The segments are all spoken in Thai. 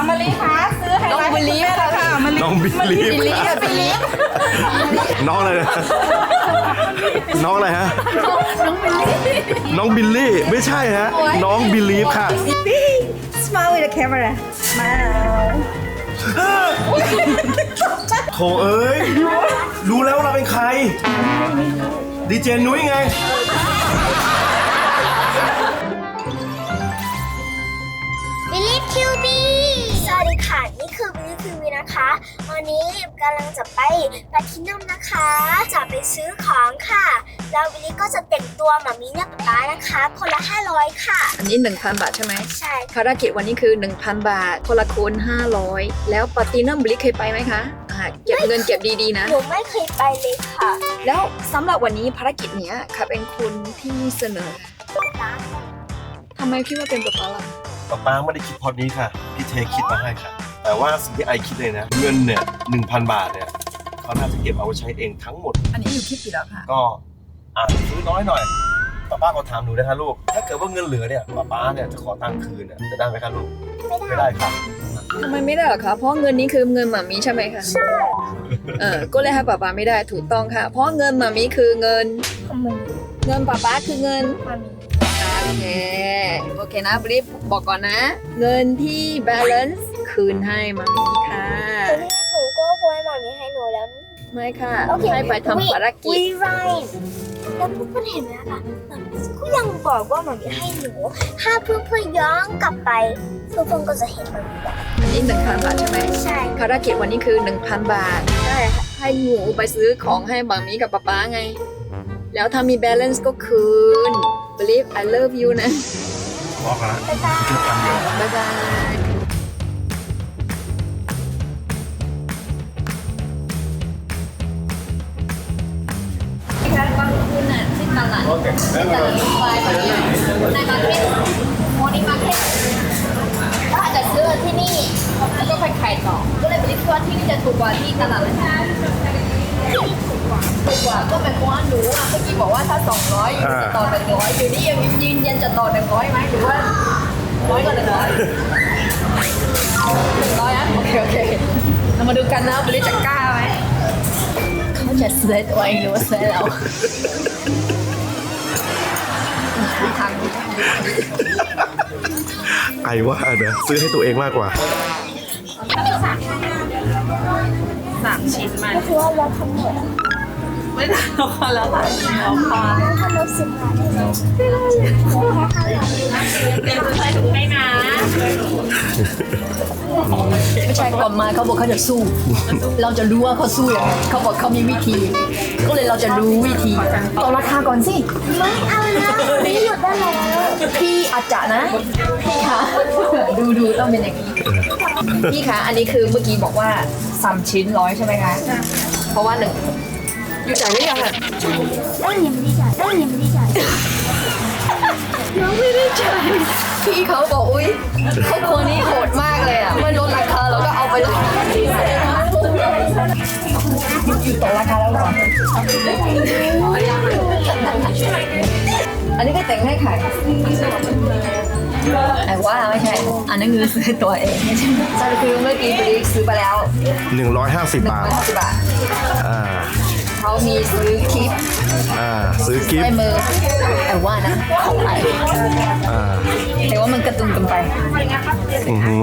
มาลีคะซื้อให้น้องบิลลี่ค่ะน้องบิลลี่น้องอะไรนะน้องอะไรฮะน้องบิลลี่ไม่ใช่ฮะน้องบิลลี่ค่ะ Smile with the camera มาโถเอ้ยรู้แล้วเราเป็นใครดีเจนุ้ยไงบิลลี่คิวบีสวัสดีค่ะนี่คือบิลลี่คิวบีนะคะวันนี้กำลังจะไปแพลทินัมนะคะจะไปซื้อของค่ะแล้วบิลลี่ก็จะแต่งตัวหมามีเนี่ยป๊านะคะคนละ500ค่ะอันนี้ 1,000 บาทใช่ไหมใช่ภารกิจวันนี้คือ 1,000 บาทคนละคน500แล้วปาร์ตี้นัมบลิเคยไปไหมคะเก็บเงินเก็บดีๆนะหนูไม่เคยไปเลยค่ะแล้วสำหรับวันนี้ภารกิจเนี้ยค่ะเป็นคุณที่เสนอทำไมคิดว่าเป็นป๊าป๊าล่ะป๊าไม่ได้คิดพอดนี้ค่ะพี่เทคิดมาให้ค่ะแต่ว่าสิ่งที่ไอคิดเลยนะเงินเนี่ย 1,000 บาทเนี่ยเขาน่าจะเก็บเอาไว้ใช้เองทั้งหมดอันนี้อยู่คิดกี่แล้วค่ะก็ซื้อน้อยหน่อยป้าก็ถามหนูนะคะลูกถ้าเกิดว่าเงินเหลือเนี่ยป้าเนี่ยจะขอตังค์คืนเนี่ยจะได้ไหมคะลูกไม่ได้ค่ะทำไมไม่ได้หรอคะเพราะเงินนี้คือเงินหมามีใช่ไหมคะใช่ก็เลยให้ป๊าป๊าไม่ได้ถูกต้องค่ะ เพราะเงินหมามีคือเงินป๊าป๊าคือเงินโอเคนะบลิฟบอกก่อนนะ เงินที่ balance คืนให้หมามีค่ะแต่ที่หนูก็ควรหมามีให้หนูแล้วไม่ค่ะโอเคให้ไปทำภารกิจวีไรแล้วเพื่อนๆเห็นไหมคะหมามีก็ยังบอกว่าหมามีให้หนูถ้าเพื่อนๆย้อนกลับไปเพื่อนๆก็จะเห็นหมามีแบบอันนี้ 1,000 บาทใช่ไหมใช่ภารกิจวันนี้คือ 1,000 บาทใช่ค่ะให้หนูไปซื้อของให้บางมีกับป๊าป๊าไง แล้วถ้ามี balance ก็คืน believe I love you นะบอกแล้วบ๊ายบายคือพันเดียวบ๊ายบายค่ะบางคุณน่ะที่ตลาดไปในมาร์เก็ตโมนี่มาร์เก็ตก็อาจจะซื้อที่นี่แล้วก็ไปขายต่อ ก็เลยไปคิดว่าที่นี่จะถูกกว่าที่ตลาดเลยนะถูกกว่าก็เป็นเพราะว่าหนูเมื่อกี้บอกว่าถ้า200อยู่จะต่อ100อยู่นี่ยังยืนยันจะต่อ100ไหมหรือว่าน้อยกว่า100นะโอเคเรามาดูกันนะบริจะกล้าไหมเขาจะซื้อตัวเองหรือว่าซื้อเราทางไอว่านะซื้อให้ตัวเองมากกว่า 3 ชิ้นมาก็คือว่าเราทำหมดไม่ได้แล้วค่ะแล้วค่ะแล้วค่ะทำเรา10 บาทได้เลยเดี๋ยวจะใส่ถุงให้นะไม่ใช่ก่อนมาเขาบอกเขาจะสู้ เราจะรู้ว่าเขาสู้ยังไงเขาบอกเขามีวิธี ก็เลยเราจะรู้วิธีต่อราคาก่อนสิไม่เอานะไม่หยุดได้แล้วพี่อาจจะนะพี่คะดูต้องเป็นอย่างนี้พี่คะอันนี้คือเมื่อกี้บอกว่า3 ชิ้น100ใช่ไหมคะเพราะว่า1อยู่จ่ายหรือยังอะยังไม่ได้จ่ายยังไม่ได้จ่ายยังไม่ได้จ่ายพี่เขาบอกอุ้ยเขาคนนี้โหดมากเลยอ่ะไม่ลดราคาเราก็เอาไปเลยอยู่ต่อราคาแล้วหรออันนี้ก็แต่งให้ขายแต่ว่าไม่ใช่อันนั้นคือซื้อตัวเองใช่คือเมื่อกี้ไปซื้อไปแล้ว 150 บาท 150 บาทอ่าเขามีซื้อคลิปซื้อกิฟได้ต์มือแต่ว่านะของไทย แต่ว่ามันกระตุ้นกันไปอือฮึ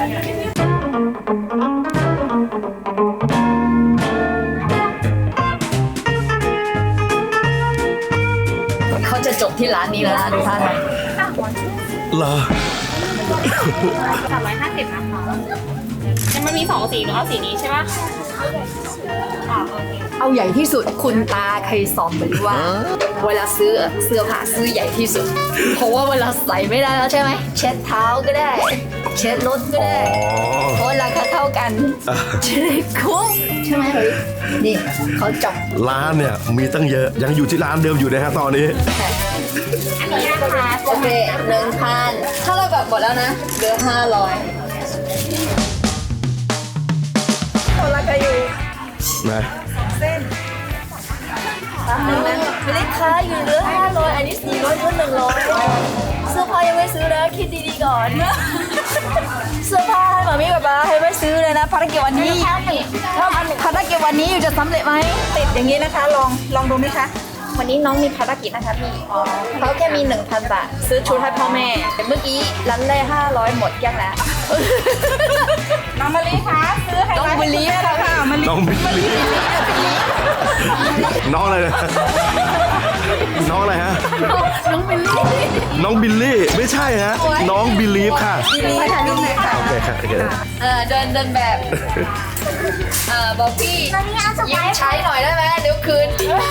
เขาจะจบที่ร้านนี้แล้วนะดูท่าทางเหรอ 350นะคะมันมี2สีหนูเอาสีนี้ใช่ปะโอเคเอาใหญ่ที่สุดคุณตาเคยสอนบอกว่า เวลาซื้อเสื้อผ้าซื้อใหญ่ที่สุด เพราะว่าเวลาใส่ไม่ได้แล้วใช่ไหมเช็ดเท้าก็ได้ เช็ดรถก็ได้เพราะราคาเท่ากันจะได้คุ้มใช่ไหมเฮ้ยนี่เขาจบร้านเนี่ยมีตั้งเยอะยังอยู่ที่ร้านเดิมอยู่นะฮะตอนนี้อันนี้นะคะโอเค1,000ถ้าเราแบบหมดแล้วนะเหลือ500คนละกันอยู่นะไม่ได้ค้าอยู่เหลือ500อันนี้400เหลือ100เสื้อผ้ายังไม่ซื้อนะคิดดีๆก่อนเสื้อผ้าให้หมามีกับภารกิจวันนี้ภารกิจวันนี้อยู่จะสำเร็จไหมติดอย่างนี้นะคะ ลองดูไหมคะวันนี้น้องมีภารกิจนะคะพี่เขาแค่มี 1,000 บาทซื้อชุดให้พ่อแม่แต่เมื่อกี้ร้านแรก500หมดยังแล้วน้องมะลิคะซื้อให้น้องมะลิค่ะมะลิน้องบิลลี่น้องอะไรนะน้องอะไรฮะน้องบิลลี่น้องบิลลี่ไม่ใช่ฮะ น้องบิลีฟค่ะบิลลี่ค่ะลูกเลยค่ะโอเคค่ะโอเคเดินแบบบอกพี่ตอนนี้เอาสยืไปมซ์ใช้หน่อยได้ไหมเดี๋ยวคืน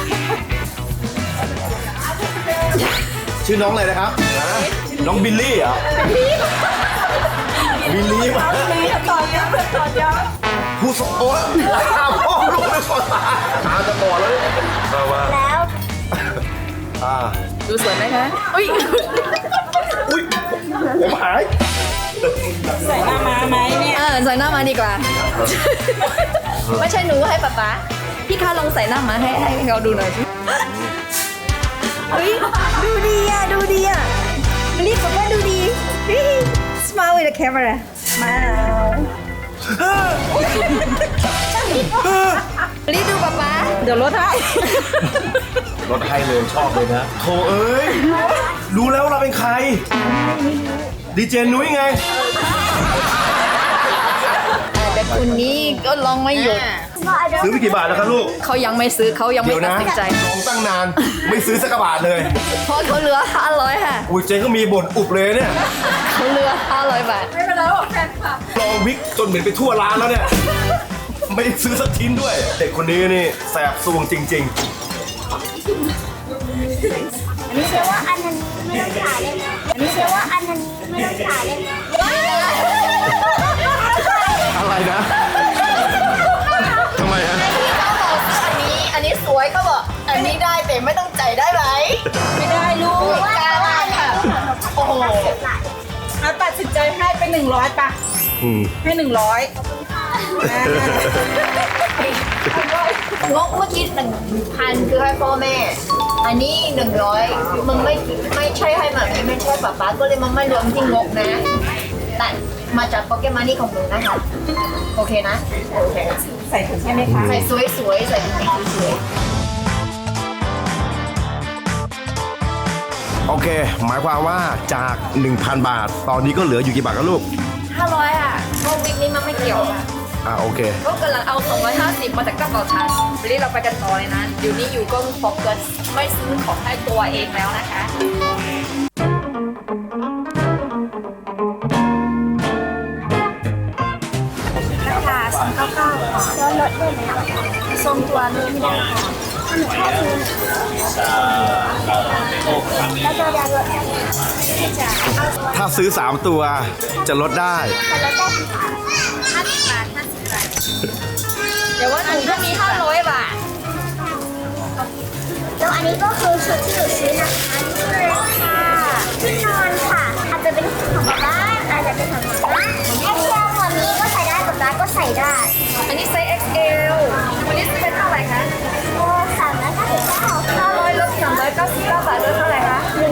ชื่อน้องอะไรนะครับน้องบิลลี่เหรอบิลลี่ต่อยอดผู้สโอ้ยพ่อลูกไม่สนตาจะบอดแล้วเนี่ยมาแล้วดูสวยไหมคะอุ้ยอุ้ยผมหายใส่หน้ามาดีกว่า ไม่ใช่หนูให้ป๊าพี่คะลองใส่หน้ามาให้เขาดูหน่อยสิเฮ้ยดูดีอ่ะรีบบอกว่าดูดี smile with the camera มารีบดูป๊าเดี๋ยวลดให้รถให้เลยชอบเลยนะโถเอ้ยรู้แล้วเราเป็นใครดีเจนุ้ยไงแต่คุณนี้ก็ลองไม่หยุดซื้อไปกี่บาทแล้วครับลูกเขายังไม่ซื้อเขายังไม่เดี๋ยวตัดนะสินใจลองตั้งนานไม่ซื้อสักกระบาทเลยเพราะเขาเหลือ500ค่ะอุ้ยเจ๊ก็มีบ่นอุบเลยเนี่ยเขาเหลือ500 บาทไม่เป็นไรหรอกแฟนค่ะลองวิกจนเหม็นไปทั่วร้านแล้วเนี่ย ไม่ได้ซื้อสักชิ้นด้วย เด็กคนนี้นี่แสบซวงจริงเชื่อว่าอันนั้นไม่ต้องขายเลยนะเชื่อว่าอันนั้นไม่ต้องขายเลยนะๆ อะไรนะทำไมฮะเขาบอกอันนี้สวยเขาบอกอันนี้ได้แต่ไม่ต้องจ่ายได้ไหมไม่ได้ลูกกล้ามากค่ะโอ้โหเอาตัดสินใจให้ไป100ป่ะ ให้100 งกเมื่อกี้1,000คือให้พ่อแม่ อันนี้100มึงไม่ใช่ให้แบบนี้ไม่ใช่ป๊าก็เลยมันไม่รวมที่งกนะแต่มาจากโปเกมอนนี่ของมึงนะคะโอเคนะโอเคใส่ถุงใช่ไหมคะใส่สวยๆใส่ถุงสวยโอเค หมายความว่าจาก 1,000 บาท ตอนนี้ก็เหลืออยู่กี่บาทครับลูก 500อ่ะพวกวิกนี้มันไม่เกี่ยวโอเคก็กำลังเอา250มาจากกระเป๋าฉันวันนี้เราไปกันต่อเลยนะอยู่นี่อยู่ก็โฟกัสไม่ซื้อของให้ตัวเองแล้วนะคะราคา299แล้วลดได้ไหมอ่ะทรงตัวลดไม่ได้ค่ะหนูแค่ซื้อแล้วตัวเดียวลดได้ไหมจะถ้าซื้อ 3 ตัวจะลดได้จะลดได้กี่บาท50 บาทเดี๋ยวว่าหนูก็มี500 บาทแล้วอันนี้ก็คือชุดที่หนูซื้อนะคะนี่เลยค่ะที่นอนค่ะอาจจะเป็นของบ้านอาจจะเป็นของบ้านแอคเซลวันนี้ก็ใส่ได้กับบ้านก็ใส่ได้อันนี้ไซส์ XL วันนี้ซื้อเป็นเท่าไหร่คะโอ้399 500ลด399 บาทลดเท่าไหร่คะ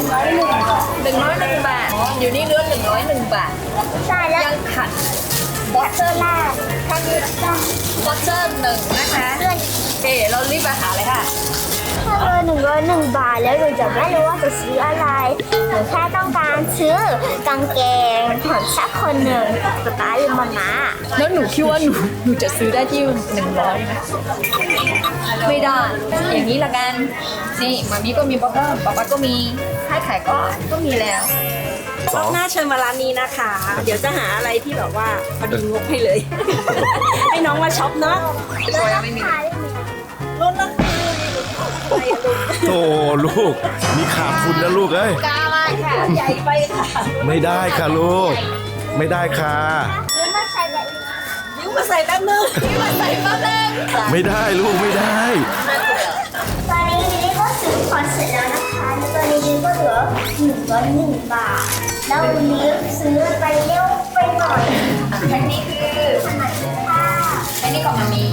101 บาทอยู่นี่เหลือ101 บาทใช่แล้วยังขัดบอสเตอร์แรกแค่นี้จ้ะวอเตอร์1นะคะเพื่อนโอเคเรารีบไปหาเลยค่ะถ้า101 บาทแล้วหนูจะไม่รู้ว่าจะซื้ออะไรหนูแค่ต้องการซื้อกางเกงของสักคนหนึ่งป๊าหรือมาม่าแล้วหนูคิดว่าหนูจะซื้อได้ที่100ไหมไม่ได้ อย่างนี้ละกัน นี่มามีก็มีป๊าป๊าก็มีให้ขายก็มีแล้วรอบหน้าเชิญมาร้านนี้นะคะ เดี๋ยวจะหาอะไรที่แบบว่าพอดีงบให้เลย ให้น้องมาช็อปเนาะตัวยังไม่มีขายได้ไหมลดราคาอะไรอะลูกโอ้ลูก มีขาดทุนนะลูกเอ้ยกล้ามากค่ะใหญ่ไปค่ะไม่ได้ค่ะลูก ไม่ได้ค่ะหรือมาใส่แบบนี้ยิ้มมาใส่แป๊บนึงนี่มาใส่มาแรงไม่ได้ลูกไม่ได้ตอนนี้ลิลลี่ก็ซื้อของเสร็จแล้วนะคะแล้วตอนนี้ลิลลี่ก็เหลือ101 บาท แล้ววันนี้ซื้อไปเร็วไปหน่อยอันนี้คือขนาดนี้ค่ะอันนี้ของมามี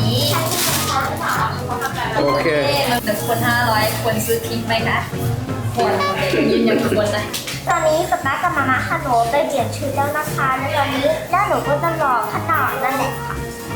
โอเค 1 คน500ควรซื้อทิ้งไหมคะควรยืนยันควรนะตอนนี้ป๊ากับมาม่าค่ะหนูไปเปลี่ยนชุดแล้วนะคะแล้วตอนนี้แล้วหนูก็ต้องรอขนาดนั่นแหละค่ะ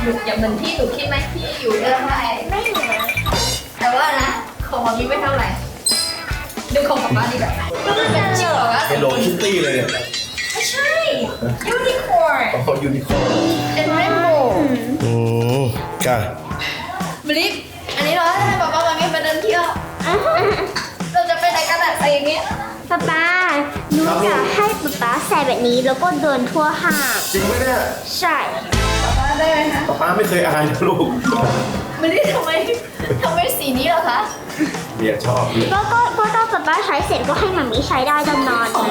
อยู่อย่างเหมือนที่หนูคิดไหมที่อยู่เดิมได้ไม่เหมือนแต่ว่านะของมันมีไม่เท่าไหร่ดูของกับบ้านดีแบบเป็นจริงเหรอวะเฮลโลคิตตี้เลยเนี่ยไม่ใช่ยูนิคอร์นของยูนิคอร์นเป็นเรนโบว์ค่ะบลิฟอันนี้เราให้ป๊าป๊ามางี้ไปเดินเที่ยวเราจะไปไหนกันอะใส่อย่างเงี้ยป๊าป๊าหนูจะให้ป๊าป๊าใส่แบบนี้แล้วก็เดินทั่วห้างจริงไหมเนี่ยใช่ป๊าป๊าได้ไหมคะป้าไม่เคยอายนะลูกบลิฟทำไมสีนี้เหรอคะเมียชอบเลยก็ต้องป๊าป๊าใช้เสร็จก็ให้มัมมี่ใช้ได้ตอนนอนไง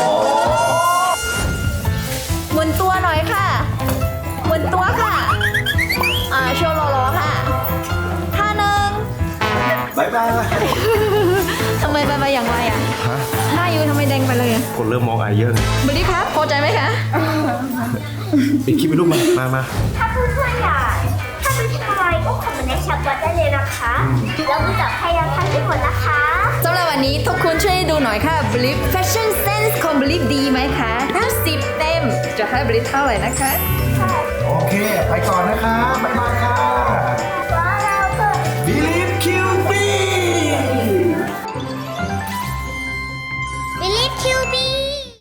หมุนตัวหน่อยค่ะหมุนตัวค่ะโชว์รอๆค่ะท่าหนึ่งบายบายทำไมไปอย่างไรอ่ะฮะหน้ายูทำไมแดงไปเลยอ่ะคนเริ่มมองอายเยอะเลยบลิฟครับพอใจไหมคะปิดคลิปไปลูกมาถ้าเพื่อนๆอยากถ้าเป็นอะไรก็คอมเมนต์ในแชทไว้ได้เลยนะคะแล้วก็จะพยายามทำให้หมดนะคะสำหรับวันนี้ทุกคนช่วยดูหน่อยค่ะ Believe Fashion Sense ของ Believe ดีไหมคะถ้า10 เต็ม จะให้ Believe เท่าไหร่นะคะโอเค ไปก่อนนะคะ บ๊ายบายค่ะ